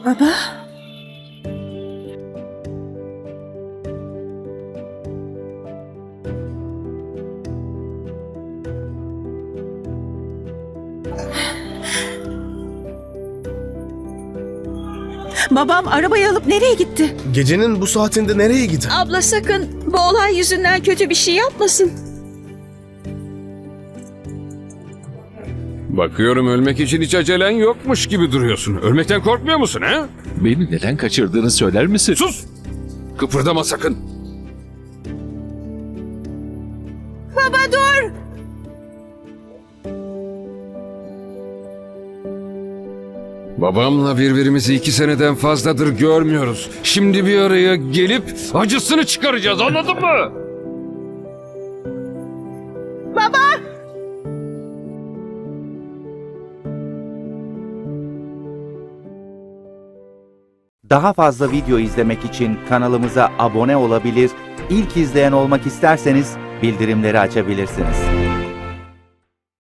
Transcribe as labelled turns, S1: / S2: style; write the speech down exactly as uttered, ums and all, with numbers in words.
S1: Baba? Babam arabayı alıp nereye gitti?
S2: Gecenin bu saatinde nereye gider?
S1: Abla sakın bu olay yüzünden kötü bir şey yapmasın.
S3: Bakıyorum ölmek için hiç acelen yokmuş gibi duruyorsun. Ölmekten korkmuyor musun ha?
S4: Beni neden kaçırdığını söyler misin?
S3: Sus! Kıpırdama sakın.
S1: Baba dur!
S3: Babamla birbirimizi iki seneden fazladır görmüyoruz. Şimdi bir araya gelip acısını çıkaracağız, anladın mı?
S5: Daha fazla video izlemek için kanalımıza abone olabilir, ilk izleyen olmak isterseniz bildirimleri açabilirsiniz.